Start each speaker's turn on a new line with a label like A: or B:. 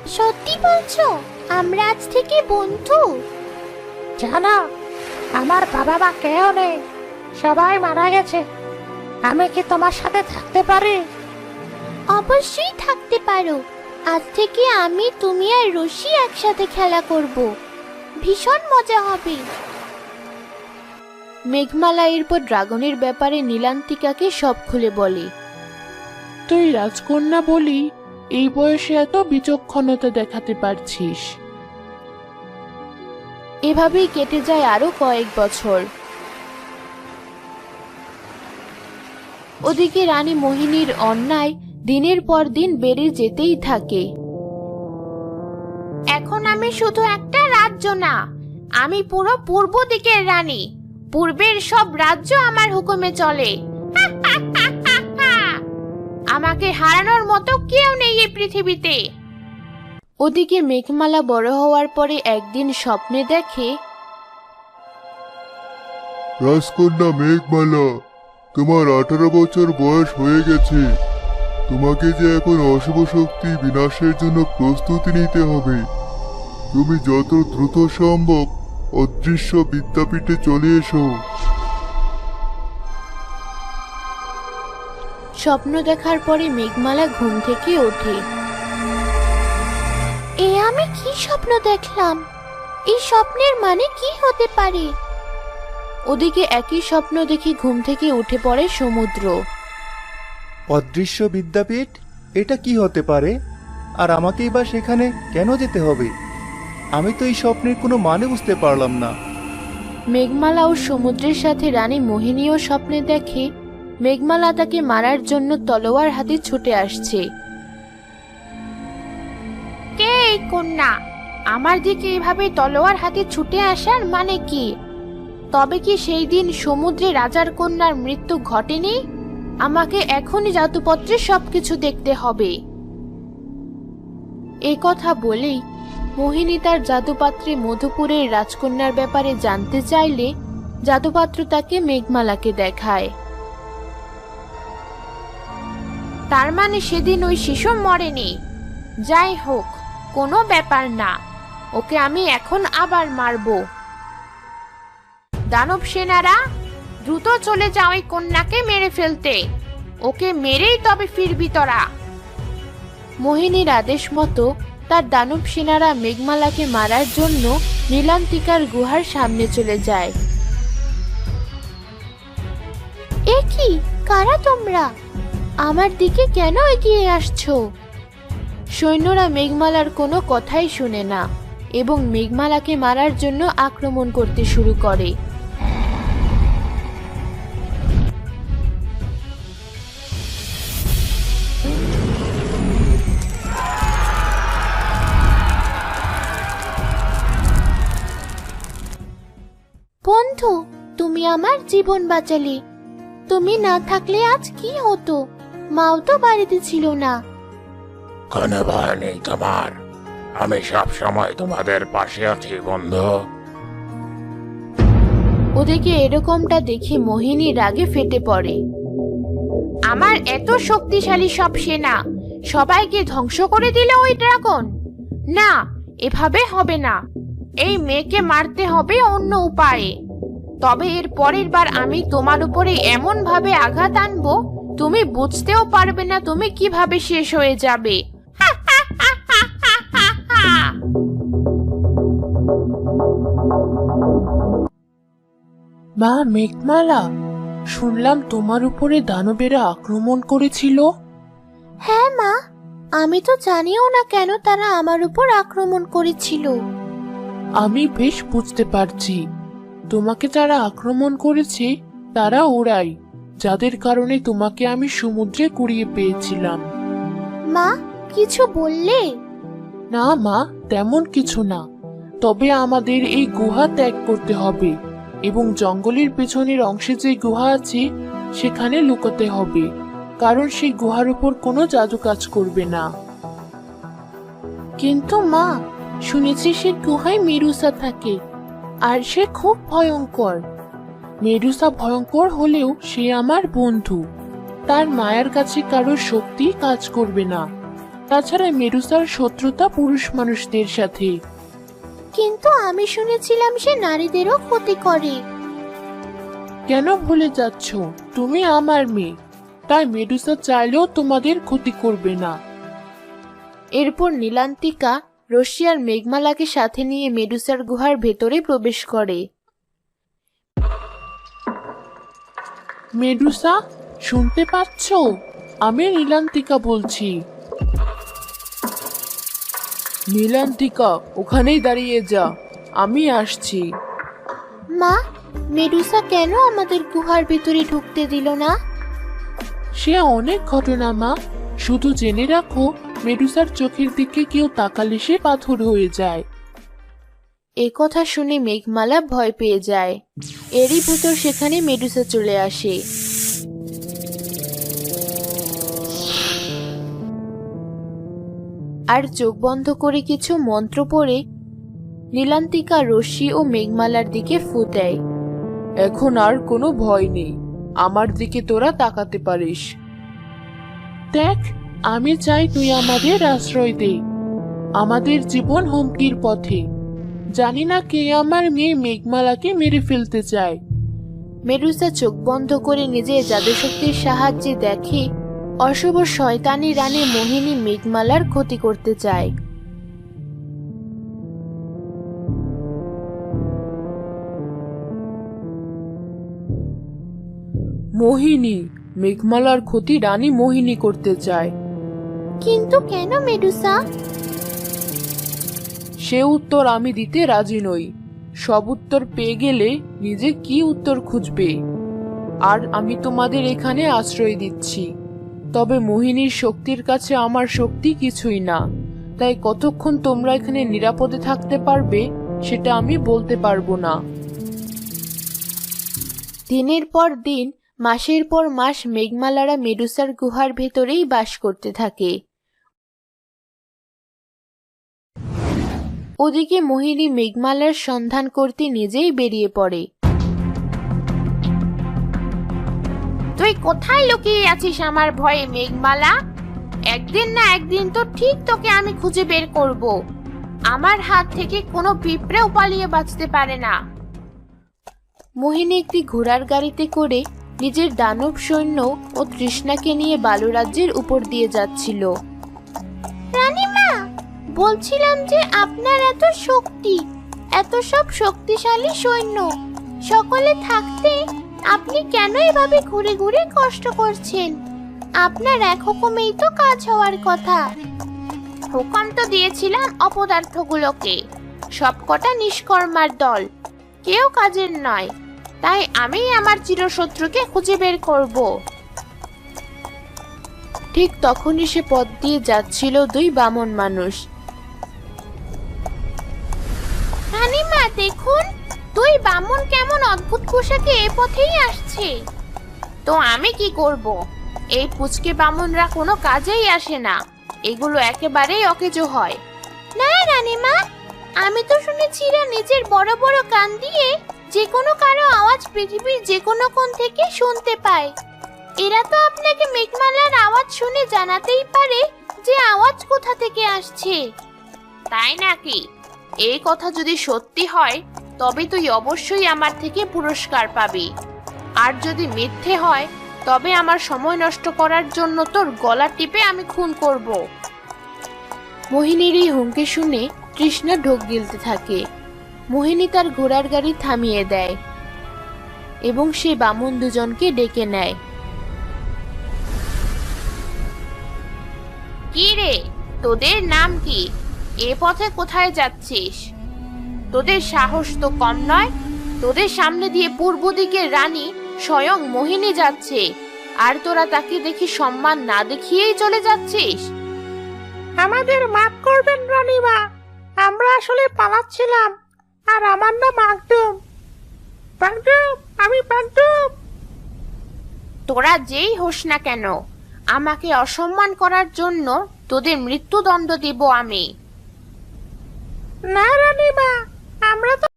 A: সত্যি বলছো? আমরা আজ থেকে বন্ধু?
B: জানো, আমার বাবা মা কেউ নেই, সবাই মারা গেছে। আমি কি তোমার সাথে থাকতে পারি?
A: অবশ্যই থাকতে পারো। আজ থেকে আমি, তুমি আর রশি একসাথে খেলা করব। ভীষণ মজা হবে। মেঘমালা এরপর ড্রাগনের ব্যাপারে নীলান্তিকাকে সব খুলে বলে।
C: তুই রাজকন্যা বলি এই বয়সে এত বিচক্ষণতা দেখাতে পারছিস।
A: এভাবেই কেটে যায় আরো কয়েক বছর। ওদিকে রানী মোহিনীর অন্যায় দিনের পর দিন বেড়ে যেতেই থাকে। এখন আমি শুধু একটা রাজ্য না, আমি পুরো পূর্ব দিকের রানী। পূর্বের সব রাজ্য আমার হুকুমে চলে। আমাকে হারানোর মতো কেউ নেই এই পৃথিবীতে। ওদিকে মেঘমালা বড় হওয়ার পরে একদিন স্বপ্নে দেখে,
D: রাজকন্যা মেঘমালা, তোমার 18 বছর বয়স হয়ে গেছে। তোমাকে যে এখন অশুভ শক্তি বিনাশের জন্য প্রস্তুতি নিতে হবে। তুমি যত দ্রুত সম্ভব অদৃশ্য বিদ্যাপীঠে চলে এসো।
A: স্বপ্ন দেখার পরে মেঘমালা ঘুম থেকে ওঠে। এ আমি কি স্বপ্ন দেখলাম? এই স্বপ্নের মানে কি হতে পারে? ওদিকে একই স্বপ্ন দেখে ঘুম থেকে উঠে পড়ে সমুদ্র।
E: অদৃশ্য বিদ্যাপীঠ, এটা কি হতে পারে? আর আমাকেই বা সেখানে কেন যেতে হবে? আমি তো এই স্বপ্নের কোনো মানে বুঝতে পারলাম না।
A: মেঘমালা ও সমুদ্রের সাথে রানী মোহিনীও স্বপ্নে দেখে মেঘমালা তাকে মারার জন্য তলোয়ার হাতে ছুটে আসছে। কে এই কন্যা? আমার দিকে এভাবে তলোয়ার হাতে ছুটে আসার মানে কি? তবে কি সেই দিন সমুদ্রে রাজার কন্যার মৃত্যু ঘটেনি? আমাকে এখনই জাদুপত্রে সবকিছু দেখতে হবে। এ কথা বলেই মোহিনী তার জাদুপাত্রে মধুপুরের রাজকন্যার ব্যাপারে জানতে চাইলে জাদুপাত্র তাকে মেঘমালাকে দেখায়। তার মানে সেদিন ওই শিশু মরেনি। যাই হোক, কোনো ব্যাপার না, ওকে আমি এখন আবার মারব। দানব সেনারা, দ্রুত চলে যাও ওই কন্যাকে মেরে ফেলতে। ওকে মেরেই তবে ফিরবি তোরা। মোহিনীর আদেশ মতো তার দানব সেনারা মেঘমালাকে মারার জন্য নীলান্তিকার গুহার সামনে চলে যায়। এ কি? কারা তোমরা? আমার দিকে কেন এগিয়ে আসছো? সৈন্যরা মেঘমালার কোনো কথাই শুনে না এবং মেঘমালাকে মারার জন্য আক্রমণ করতে শুরু করে। বন্ধু, তুমি আমার জীবন বাঁচালে। তুমি না থাকলে আজ কি হতো? মাও তো বাড়িতে ছিল না।
F: কোনো ভয় নেই তোমার, আমি সব সময় তোমাদের পাশে আছি বন্ধু।
A: ওদিকে এরকমটা দেখে মোহিনী রাগে ফেটে পড়ে। আমার এত শক্তিশালী সব সেনা সবাইকে ধ্বংস করে দিলে ওই ড্রাগন? না, এভাবে হবে না। এই মেয়েকে মারতে হবে অন্য উপায়ে। তবে এর পরের বার আমি তোমার উপরে এমন ভাবে আঘাত আনবো, তুমি বুঝতেও পারবে না তুমি কিভাবে শেষ হয়ে যাবে।
C: মা মেঘমালা, শুনলাম তোমার উপরে দানবেরা আক্রমণ করেছিল।
A: হ্যাঁ মা, আমি তো জানিও না কেন তারা আমার উপর আক্রমণ করেছিল।
C: আমি বেশ বুঝতে পারছি, তোমাকে যারা আক্রমণ করেছে তারা ওরাই, যাদের কারণে তোমাকে আমি সমুদ্রে কুড়িয়ে পেয়েছিলাম।
A: মা, কিছু বললে?
C: না মা, তেমন কিছু না। তবে আমাদের এই গুহা ত্যাগ করতে হবে এবং জঙ্গলের পেছনের অংশে যে গুহা আছে সেখানে লুকোতে হবে, কারণ সেই গুহার উপর কোনো জাদু কাজ করবে না। কিন্তু মা, শুনেছি সে গুহায় মেরুসা থাকে, আর সে খুব ভয়ঙ্কর। মেরুসা ভয়ঙ্কর হলেও সে আমার বন্ধু। তার মায়ের কাছে কারোর শক্তি কাজ করবে না। তাছাড়া মেডুসার শত্রুতা পুরুষ মানুষদের সাথে।
A: কিন্তু আমি শুনেছিলাম সে নারীদেরও ক্ষতি করে।
C: কেন ভুলে যাচ্ছ? তুমি আমার মেয়ে, তাই মেডুসা চাইলেও তোমাদের ক্ষতি করবে না।
A: এরপর নীলান্তিকা রশ্মি আর মেঘমালাকে সাথে নিয়ে মেডুসার গুহার ভেতরে প্রবেশ করে।
C: মেডুসা, শুনতে পাচ্ছ? আমি নীলান্তিকা বলছি। নীলান্তিকা, ওখানেই দাঁড়িয়ে যা, আমি আসছি।
A: মা, মেডুসা কেন আমাদের গুহার ভেতরে ঢুকতে দিল না?
C: সে অনেক ঘটনা মা, শুধু জেনে রাখো মেডুসার চোখের দিকে কেউ তাকালে সে পাথর হয়ে যায়।
A: এ কথা শুনে মেঘমালা ভয় পেয়ে যায়। এরই ভেতর সেখানে মেডুসা চলে আসে। আর চোখ বন্ধ করে কিছু মন্ত্র পড়ে নীলান্তিকা রশ্মি ও মেঘমালার দিকে ফু দেয়।
C: এখন আর কোনো ভয় নেই, আমার দিকে তোরা তাকাতে পারিস। দেখ, আমি চাই তুই আমাদের আশ্রয় দে। আমাদের জীবন হুমকির পথে। জানি না কে আমার মেয়ে মেঘমালাকে মেরে ফেলতে চায়।
A: মেডুসা চোখ বন্ধ করে নিজের জাদুশক্তির সাহায্যে দেখে অশুভ শয়তানি রানী মোহিনী মেঘমালার ক্ষতি করতে চায়।
C: মোহিনী, মেঘমালার ক্ষতি রানী মোহিনী করতে চায়।
A: কিন্তু কেন মেডুসা?
C: সে উত্তর আমি দিতে রাজি নই। সব উত্তর পেয়ে গেলে নিজে কি উত্তর খুঁজবে? আর আমি তোমাদের এখানে আশ্রয় দিচ্ছি। তবে মোহিনীর শক্তির কাছে আমার শক্তি কিছুই না, তাই কতক্ষণ তোমরা এখানে নিরাপদে থাকতে পারবে সেটা আমি বলতে পারবো না।
A: দিনের পর দিন, মাসের পর মাস মেঘমালারা মেডুসার গুহার ভেতরেই বাস করতে থাকে। ওদিকে মোহিনী মেঘমালার সন্ধান করতে নিজেই বেরিয়ে পড়ে। তুই কোথায় লুকিয়ে আছিস আমার ভয়ে মেঘমালা? একদিন না একদিন তো ঠিক তোকে আমি খুঁজে বের করব। আমার হাত থেকে কোনো পিঁপড়েও পালিয়ে বাঁচতে পারে না। মোহিনী একটি ঘোড়ার গাড়িতে করে নিজের দানব সৈন্য ও তৃষ্ণাকে নিয়ে বালুরাজ্যের উপর দিয়ে যাচ্ছিল। রানীমা, বলছিলাম যে আপনার এত শক্তি, এত সব শক্তিশালী সৈন্য সকলে থাকতে আপনি কেন এভাবে ঘুরে ঘুরে কষ্ট করছেন? আপনার এক হুকুমেই তো কাজ হওয়ার কথা। হুকুম তো দিয়েছিলাম অপদার্থগুলোকে, সবকটা নিষ্কর্মার দল, কেউ কাজের নয়, তাই আমি আমার চিরশত্রুকে খুঁজে বের করব। ঠিক তখনই সে পথ দিয়ে যাচ্ছিল দুই বামন মানুষ। রানীমা দেখুন, দুই বামন কেমন অদ্ভুত পোশাকে এ পথেই আসছে। তো আমি কি করব? এই পুচকে বামনরা কোনো কাজেই আসে না, এগুলো একেবারেই অকেজো হয়। না রানীমা, আমি তো শুনেছি এরা নিজের বড় বড় কান দিয়ে যে কোনো কারো আওয়াজ পৃথিবীর যে কোনো কোণ থেকে শুনতে পায়। এরা তো আপনাকে মেঘমালার আওয়াজ শুনে জানাতেই পারে যে আওয়াজ কোথা থেকে আসছে। তাই নাকি? এই কথা যদি সত্যি হয় তবে তুই অবশ্যই আমার থেকে পুরস্কার পাবি, আর যদি মিথ্যে হয় তবে আমার সময় নষ্ট করার জন্য তোর গলা টিপে আমি খুন করব। মোহিনীর এই হুমকি শুনে তৃষ্ণা ঢোক গিলতে থাকে। মোহিনী তার ঘোড়ার গাড়ি থামিয়ে দেয় এবং সে বামন দুজনকে ডেকে নেয়। কি রে, তোদের নাম কি? এ পথে কোথায় যাচ্ছিস? তোদের সাহস তো কম নয়। তোদের সামনে দিয়ে পূর্ব দিকের রানী স্বয়ং মোহিনী যাচ্ছে, আর তোরা তাকে দেখি সম্মান না দেখিয়েই চলে যাচ্ছিস।
B: আমাদের মাফ করবেন রানীমা, আমরা আসলে পালাচ্ছিলাম। আর আমার নাম মাকদুম। মাকদুম, আমি মাকদুম।
A: তোরা যেই হোস না কেন, আমাকে অসম্মান করার জন্য তোদের মৃত্যুদণ্ড দেব আমি।
B: না রানীমা, আমরা তো